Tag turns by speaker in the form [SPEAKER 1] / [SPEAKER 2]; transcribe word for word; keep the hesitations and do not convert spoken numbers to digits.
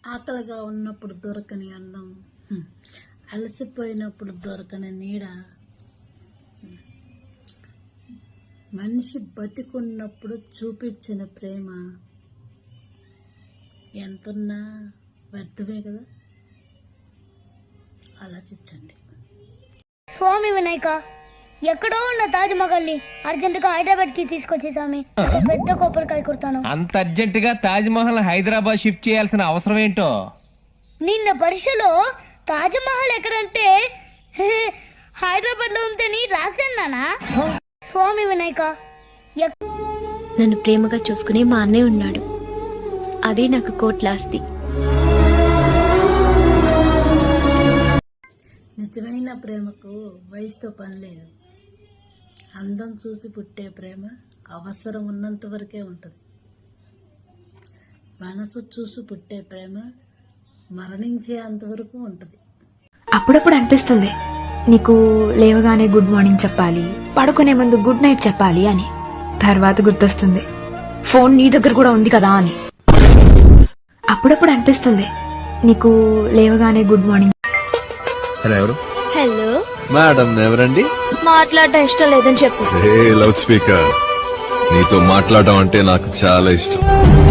[SPEAKER 1] ఆకలిగా ఉన్నప్పుడు దొరకని అన్నం, అలసిపోయినప్పుడు దొరకని నీడ, మనిషి బతికున్నప్పుడు చూపించిన ప్రేమ ఎంతున్నా వ్యర్థమే కదా. ఆలోచించండి.
[SPEAKER 2] స్వామి వినాయక, ఎక్కడో ఉన్న తాజ్ మహల్ ని అర్జెంట్ గా హైదరాబాద్ కి తీసుకొచ్చే స్వామి. పెద్ద కొబ్బరికాయ కుడతాను.
[SPEAKER 3] అంత అర్జెంట్ గా తాజ్ మహల్ హైదరాబాద్ షిఫ్ట్ చేయాల్సిన అవసరం ఏంటో.
[SPEAKER 2] నిన్న పరీక్షలో తాజ్ మహల్ ఎక్కడంటే హైదరాబాద్ లో ఉంటేని రాశాను. స్వామి వినాయక,
[SPEAKER 4] నన్ను ప్రేమగా చూసుకునే మా అన్నయ్య ఉన్నాడు. అదే నాకు కోట్ల ఆస్తి.
[SPEAKER 1] నిజమైన ప్రేమకు వయసుతో పని లేదు. అందం చూసి పుట్టే ప్రేమ అవసరం ఉన్నంత వరకే ఉంటుంది. మనసు చూసి పుట్టే ప్రేమ మరణించే అంతవరకు ఉంటుంది.
[SPEAKER 5] అప్పుడప్పుడు అనిపిస్తుంది నీకు లేవగానే గుడ్ మార్నింగ్ చెప్పాలి, పడుకునే ముందు గుడ్ నైట్ చెప్పాలి అని. తర్వాత గుర్తొస్తుంది ఫోన్ నీ దగ్గర కూడా ఉంది కదా అని. అప్పుడప్పుడు అనిపిస్తుంది నీకు లేవగానే గుడ్ మార్నింగ్.
[SPEAKER 6] ఎవరు?
[SPEAKER 4] హలో
[SPEAKER 6] మేడం ఎవరండి?
[SPEAKER 4] మాట్లాడటం ఇష్టం లేదని చెప్పు.
[SPEAKER 6] లౌడ్ స్పీకర్, నీతో మాట్లాడడం అంటే నాకు చాలా ఇష్టం.